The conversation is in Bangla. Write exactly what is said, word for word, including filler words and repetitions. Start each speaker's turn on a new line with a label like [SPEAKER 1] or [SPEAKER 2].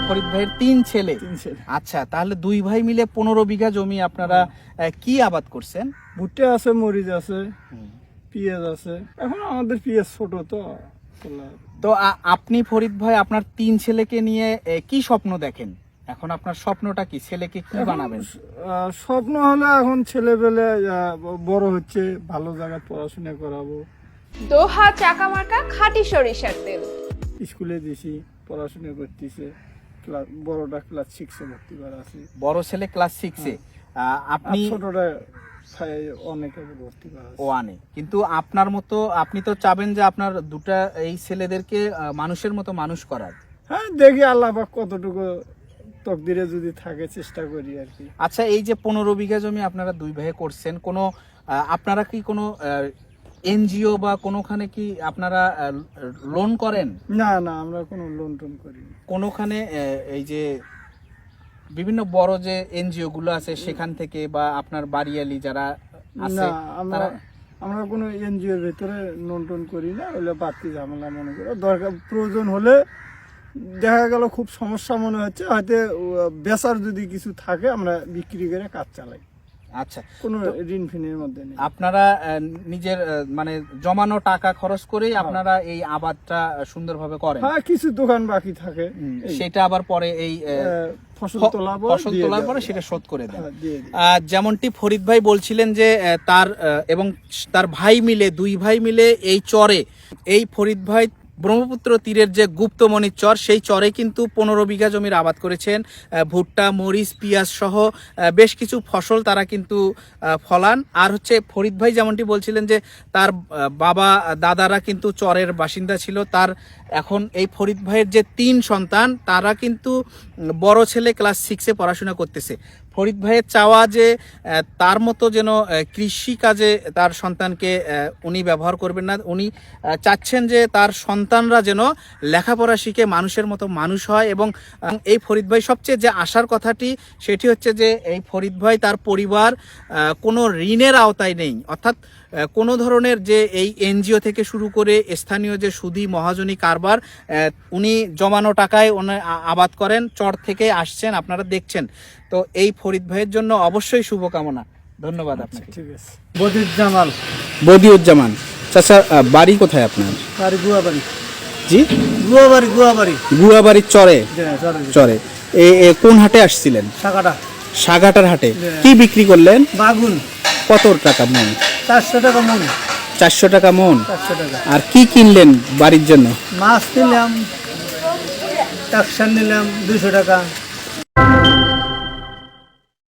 [SPEAKER 1] ফরিদ ভাইয়ের তিন ছেলে।
[SPEAKER 2] তিন ছেলে।
[SPEAKER 1] আচ্ছা, তাহলে দুই ভাই মিলে পনেরো বিঘা জমি আপনারা আহ, কি আবাদ করছেন?
[SPEAKER 2] ভুট্টা আছে, মরিচ আছে, পেঁয়াজ আছে। এখন আমাদের পেঁয়াজ ছোট তো।
[SPEAKER 1] তো আ- আপনি ফরিদ ভাই আপনার তিন ছেলেকে নিয়ে এ, কি স্বপ্ন দেখেন? এখন আপনার স্বপ্নটা কি? ছেলেকে কি
[SPEAKER 2] এখন,
[SPEAKER 1] বানাবেন?
[SPEAKER 2] আহ, স্বপ্ন হলো এখন ছেলে পেলে বড় হচ্ছে, ভালো জায়গায় পড়াশোনা করাবো।
[SPEAKER 3] দোহা চাকামার্কা খাঁটি সরিষার তেল।
[SPEAKER 2] স্কুলে দিছি, পড়াশোনা করতেছে। ক্লাস বড়টা ক্লাস সিক্সে ভর্তি করা আছে।
[SPEAKER 1] বড় ছেলে ক্লাস সিক্সে, আপনি
[SPEAKER 2] আর ছোটটা অনেকে ভর্তি করা আছে।
[SPEAKER 1] ওয়ানে। কিন্তু আপনার মতো আপনি তো চাবেন যে আপনার দুটা এই ছেলেদেরকে আহ, মানুষের মতো মানুষ করার।
[SPEAKER 2] হ্যাঁ, দেখি আল্লাহ পাক কতটুকু তকদিরে যদি থাকে, চেষ্টা করি আর কি।
[SPEAKER 1] আচ্ছা, এই যে পনেরো বিঘা জমি আপনারা দুই ভাই করছেন, কোনো আহ, আপনারা কি কোনো এনজিও বা কোনোখানে কি আপনারা লোন করেন?
[SPEAKER 2] না না, আমরা কোনো লোন টোন করি না।
[SPEAKER 1] কোনোখানে আহ, এই যে বিভিন্ন বড় যে এনজিও গুলো আছে সেখান থেকে বা আপনার বাড়িয়ালি যারা আছে
[SPEAKER 2] না, আমরা
[SPEAKER 1] তারা
[SPEAKER 2] আমরা কোনো এনজিওর ভেতরে লোন টোন করি না। ওগুলো বাড়তি ঝামেলা মনে করি। দরকার প্রয়োজন হলে দেখা গেল খুব সমস্যা মনে হচ্ছে, হয়তো বেচার যদি কিছু থাকে আমরা বিক্রি করে কাজ চালাই।
[SPEAKER 1] আচ্ছা,
[SPEAKER 2] কোনো ঋণ ফিনের মধ্যে নেই।
[SPEAKER 1] আপনারা আহ, নিজের আহ, মানে জমানো টাকা খরচ করেই আপনারা এই আবাদটা সুন্দরভাবে করেন?
[SPEAKER 2] হ্যাঁ, কিছু দোকান বাকি থাকে, এই,
[SPEAKER 1] সেটা আবার পরে এই আহ,
[SPEAKER 2] আহ, ফসল
[SPEAKER 1] ফ-
[SPEAKER 2] তোলার পর
[SPEAKER 1] ফসল
[SPEAKER 2] দিয়ে
[SPEAKER 1] তোলার
[SPEAKER 2] দেওয়া।
[SPEAKER 1] পরে সেটা শোধ করে দেন।
[SPEAKER 2] হ্যাঁ, দিয়ে দিই।
[SPEAKER 1] আহ, যেমনটি ফরিদ ভাই বলছিলেন যে আহ, তার আহ, এবং তার ভাই মিলে দুই ভাই মিলে এই চরে, এই ফরিদ ভাই ব্রহ্মপুত্র তীরের যে গুপ্তমণির চর, সেই চরে কিন্তু পনেরো বিঘা জমির আবাদ করেছেন। আহ, ভুট্টা, মরিচ, পেঁয়াজ সহ আহ, বেশ কিছু ফসল তারা কিন্তু আহ, ফলান। আর হচ্ছে ফরিদ ভাই যেমনটি বলছিলেন যে তার আহ, বাবা দাদারা কিন্তু চরের বাসিন্দা ছিল। তার এখন এই ফরিদ ভাইয়ের যে তিন সন্তান, তারা কিন্তু উম, বড় ছেলে ক্লাস সিক্সে পড়াশোনা করতেছে। ফরিদ ভাইয়ের চাওয়া যে আহ, তার মতো যেন আহ, কৃষি কাজে তার সন্তানকে আহ, উনি ব্যবহার করবেন না। উনি আহ, চাচ্ছেন যে তার সন্তানরা যেন লেখাপড়া শিখে মানুষের মতো মানুষ হয়। এবং আহ, এই ফরিদ ভাই সবচেয়ে যে আশার কথাটি সেটি হচ্ছে যে এই ফরিদ ভাই তার পরিবার আহ, কোনো ঋণের আওতায় নেই। অর্থাৎ আহ, কোনো ধরনের যে এই এনজিও থেকে শুরু করে স্থানীয় যে সুদি মহাজনী কারবার, আহ, উনি জমানো টাকায় উনি আ- আবাদ করেন, চর থেকে আসছেন, আপনারা দেখছেন। তো এই ফরিদ ভাইয়ের জন্য অবশ্যই শুভকামনা। ধন্যবাদ আপনাকে।
[SPEAKER 2] ঠিক আছে। বদিউজ্জামান।
[SPEAKER 1] বদিউজ্জামান চাচা, আহ, বাড়ি কোথায় আপনার?
[SPEAKER 2] বাড়ি গুয়াবাড়ি।
[SPEAKER 1] জি,
[SPEAKER 2] গুয়াবাড়ি গুয়াবাড়ি
[SPEAKER 1] গুয়াবাড়ির চরে। চরে এ এ কোন হাটে আসছিলেন?
[SPEAKER 2] টাকাটা
[SPEAKER 1] সাগাটার হাটে। কি বিক্রি করলেন?
[SPEAKER 2] বাগুন
[SPEAKER 1] কত টাকা মন?
[SPEAKER 2] চারশো টাকা মন।
[SPEAKER 1] চারশো টাকা মন।
[SPEAKER 2] চারশো টাকা।
[SPEAKER 1] আর কি কিনলেন বাড়ির জন্য?
[SPEAKER 2] মাছ নিলাম, টাকসার নিলাম দুইশো টাকা।